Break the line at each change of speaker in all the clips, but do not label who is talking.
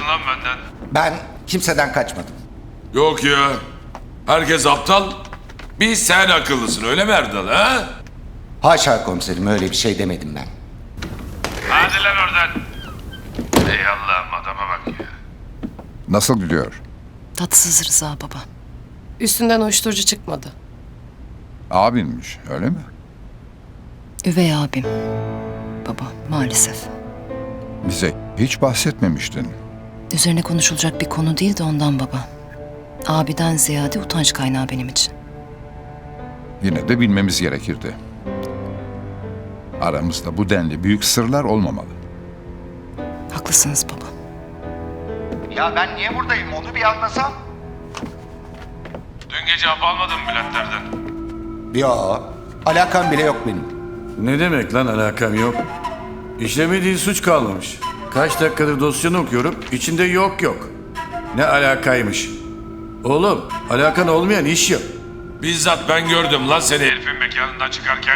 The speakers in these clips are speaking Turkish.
lan benden?
Ben kimseden kaçmadım.
Yok ya. Herkes aptal. Bir sen akıllısın öyle mi Erdal ha?
Haşa komiserim, öyle bir şey demedim ben.
Hadi lan oradan. Ey Allah'ım adama bak ya.
Nasıl gidiyor?
Tatsız Rıza baba.
Üstünden uyuşturucu çıkmadı.
Abinmiş, öyle mi?
Üvey abim. Baba maalesef.
Bize hiç bahsetmemiştin.
Üzerine konuşulacak bir konu değil de ondan baba. Abiden ziyade utanç kaynağı benim için.
Yine de bilmemiz gerekirdi. Aramızda bu denli büyük sırlar olmamalı.
Haklısınız baba.
Ya ben niye buradayım, onu bir anlasam.
Dün gece hap almadın mı Bülentlerden?
Ya alakam bile yok benim.
Ne demek lan alakam yok? İşlemediği suç kalmamış. Kaç dakikadır dosyanı okuyorum, içinde yok yok. Ne alakaymış? Oğlum, alakan olmayan iş yok.
Bizzat ben gördüm lan seni herifin mekanından çıkarken.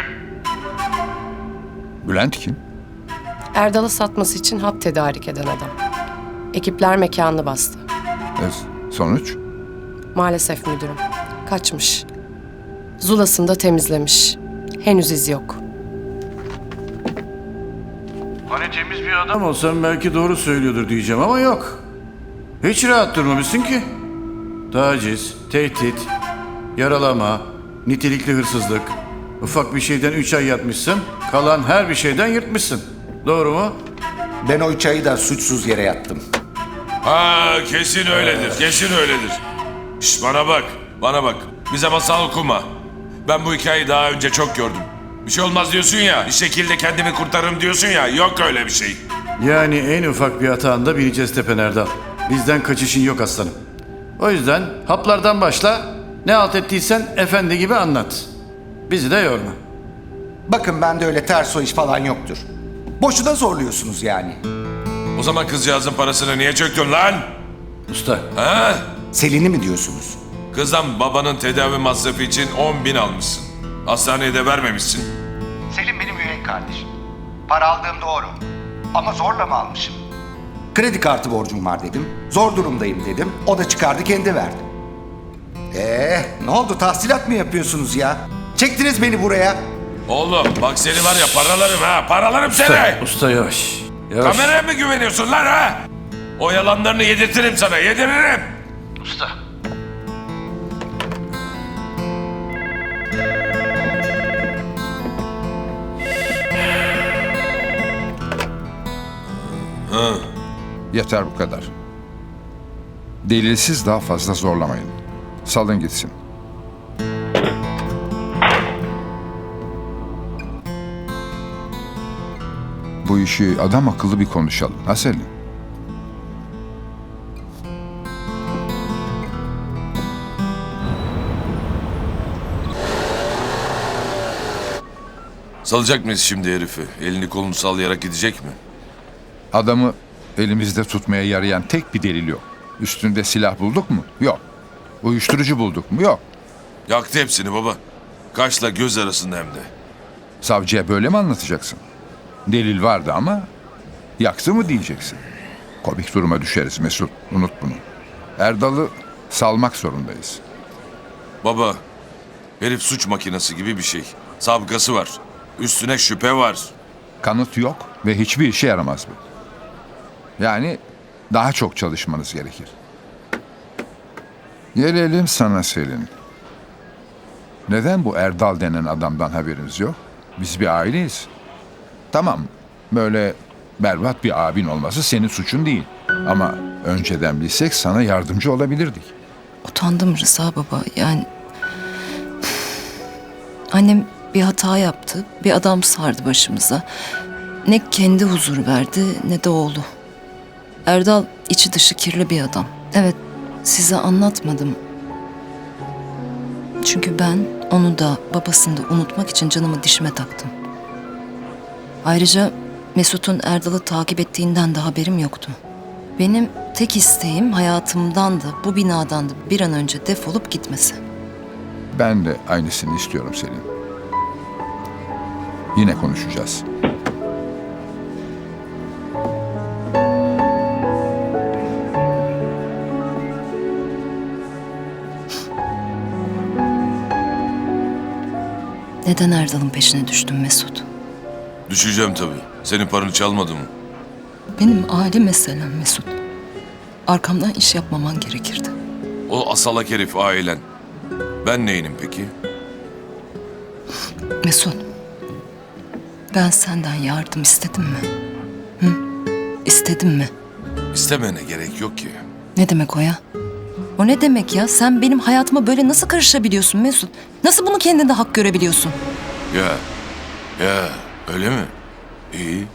Bülent kim?
Erdal'ı satması için hap tedarik eden adam. Ekipler mekanını bastı.
Sonuç?
Maalesef müdürüm. Kaçmış. Zulasını da temizlemiş. Henüz iz yok.
Hani temiz bir adam olsam belki doğru söylüyordur diyeceğim ama yok. Hiç rahat durmamışsın ki. Taciz, tehdit, yaralama, nitelikli hırsızlık. Ufak bir şeyden 3 ay yatmışsın, kalan her bir şeyden yırtmışsın. Doğru mu?
Ben o 3 ayı da suçsuz yere yattım.
Ha kesin öyledir, kesin öyledir. Şş bana bak. Bize masal okuma. Ben bu hikayeyi daha önce çok gördüm. Bir şey olmaz diyorsun ya, bir şekilde kendimi kurtarırım diyorsun ya, yok öyle bir şey.
Yani en ufak bir hatanda bineceğiz tepen Erdal. Bizden kaçışın yok aslanım. O yüzden haplardan başla, ne halt ettiysen efendi gibi anlat. Bizi de yorma.
Bakın bende öyle ters o iş falan yoktur. Boşuna zorluyorsunuz yani.
O zaman kızcağızın parasını niye çöktün lan?
Usta,
Ha?
Selin'i mi diyorsunuz?
Kızım babanın tedavi masrafı için 10.000 almışsın. Hastaneye de vermemişsin.
Selin benim üvey kardeşim. Para aldığım doğru. Ama zorla mı almışım? Kredi kartı borcum var dedim. Zor durumdayım dedim. O da çıkardı kendi verdi. Ne oldu, tahsilat mı yapıyorsunuz ya? Çektiniz beni buraya.
Oğlum bak seni var ya paralarım ha, paralarım seni.
usta yavaş. Yavaş.
Kameraya mı güveniyorsun lan ha? O yalanlarını yedirtirim sana, yediririm.
Usta.
Yeter bu kadar. Delilsiz daha fazla zorlamayın. Salın gitsin. Bu işi adam akıllı bir konuşalım. Ha Selin?
Salacak mıyız şimdi herifi? Elini kolunu sallayarak gidecek mi?
Adamı elimizde tutmaya yarayan tek bir delil yok. Üstünde silah bulduk mu? Yok. Uyuşturucu bulduk mu? Yok.
Yaktı hepsini baba. Kaşla göz arasında hem de.
Savcıya böyle mi anlatacaksın? Delil vardı ama yaktı mı diyeceksin. Komik duruma düşeriz Mesut. Unut bunu. Erdal'ı salmak zorundayız.
Baba, herif suç makinesi gibi bir şey. Sabıkası var. Üstüne şüphe var.
Kanıt yok ve hiçbir işe yaramaz bu. Yani daha çok çalışmanız gerekir. Gelelim sana Selin. Neden bu Erdal denen adamdan haberimiz yok? Biz bir aileyiz. Tamam, böyle berbat bir abin olması senin suçun değil. Ama önceden bilsek sana yardımcı olabilirdik.
Utandım Rıza baba. Yani annem bir hata yaptı. Bir adam sardı başımıza. Ne kendi huzur verdi ne de oğlu. Erdal içi dışı kirli bir adam. Evet, size anlatmadım. Çünkü ben onu da babasını da unutmak için canımı dişime taktım. Ayrıca Mesut'un Erdal'ı takip ettiğinden de haberim yoktu. Benim tek isteğim hayatımdan da bu binadan da bir an önce defolup gitmesi.
Ben de aynısını istiyorum Selin. Yine konuşacağız.
Neden Erdal'ın peşine düştün Mesut?
Düşeceğim tabii. Senin paranı çalmadım mı?
Benim aile meselem Mesut. Arkamdan iş yapmaman gerekirdi.
O asalak herif ailen. Ben neyinim peki?
Mesut, ben senden yardım istedim mi? Hı? İstedim mi?
İstemene gerek yok ki.
Ne demek o ya? O ne demek ya? Sen benim hayatıma böyle nasıl karışabiliyorsun Mesut? Nasıl bunu kendinde hak görebiliyorsun?
Ya öyle mi? İyi.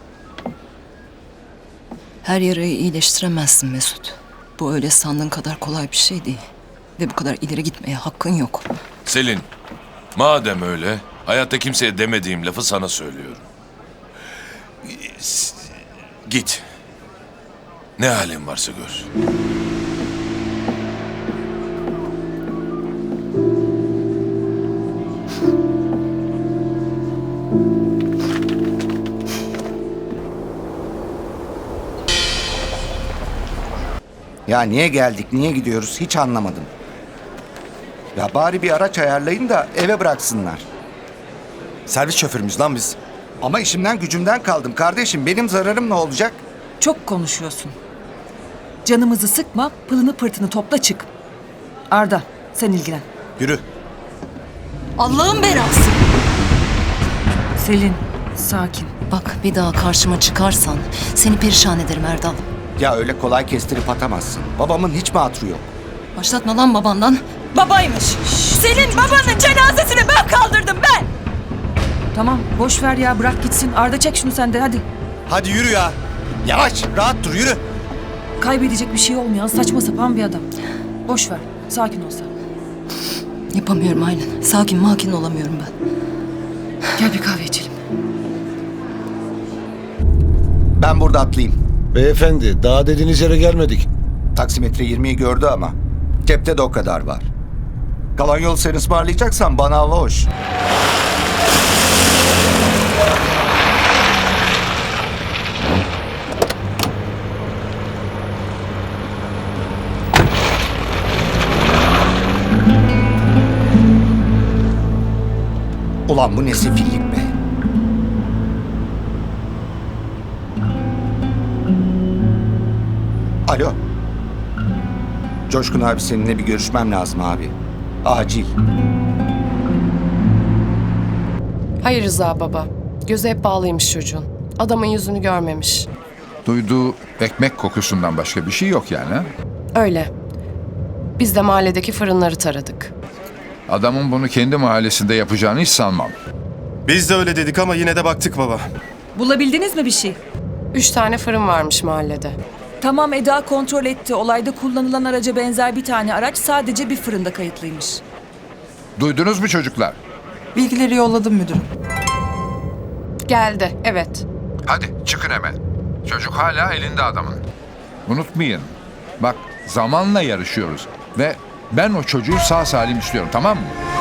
Her yarayı iyileştiremezsin Mesut. Bu öyle sandığın kadar kolay bir şey değil. Ve bu kadar ileri gitmeye hakkın yok.
Selin, madem öyle, hayatta kimseye demediğim lafı sana söylüyorum. Git. Ne halin varsa gör.
Ya niye geldik, niye gidiyoruz hiç anlamadım. Ya bari bir araç ayarlayın da eve bıraksınlar.
Servis şoförümüz lan biz.
Ama işimden gücümden kaldım kardeşim. Benim zararım ne olacak?
Çok konuşuyorsun. Canımızı sıkma, pılını pırtını topla çık. Arda, sen ilgilen.
Yürü.
Allah'ın belası!
Selin, sakin.
Bak bir daha karşıma çıkarsan seni perişan ederim Erdal.
Ya öyle kolay kestirip atamazsın. Babamın hiç mi hatırı yok?
Başlatma lan babandan.
Babaymış. Senin babanın cenazesini ben kaldırdım ben. Tamam, boş ver ya, bırak gitsin. Arda çek şunu sen de hadi.
Hadi yürü ya. Yavaş. Rahat dur yürü.
Kaybedecek bir şey olmayan saçma sapan bir adam. Boş ver, sakin ol sen.
Yapamıyorum aynen. Sakin makin olamıyorum ben.
Gel bir kahve içelim.
Ben burada atlayayım.
Beyefendi, daha dediğiniz yere gelmedik.
Taksimetre 20'yi gördü ama. Cepte de o kadar var. Kalan yol sen ısmarlayacaksan bana hava hoş. Ulan bu ne sefillik be. Alo. Coşkun abi seninle bir görüşmem lazım abi. Acil.
Hayır Rıza baba. Gözü hep bağlıymış çocuğun. Adamın yüzünü görmemiş.
Duyduğu ekmek kokusundan başka bir şey yok yani. Ha?
Öyle. Biz de mahalledeki fırınları taradık.
Adamın bunu kendi mahallesinde yapacağını hiç sanmam.
Biz de öyle dedik ama yine de baktık baba.
Bulabildiniz mi bir şey?
3 tane fırın varmış mahallede.
Tamam, Eda kontrol etti. Olayda kullanılan araca benzer bir tane araç sadece bir fırında kayıtlıymış.
Duydunuz mu çocuklar?
Bilgileri yolladım müdürüm.
Geldi, evet.
Hadi çıkın hemen. Çocuk hala elinde adamın. Unutmayın. Bak zamanla yarışıyoruz. Ve ben o çocuğu sağ salim istiyorum, tamam mı?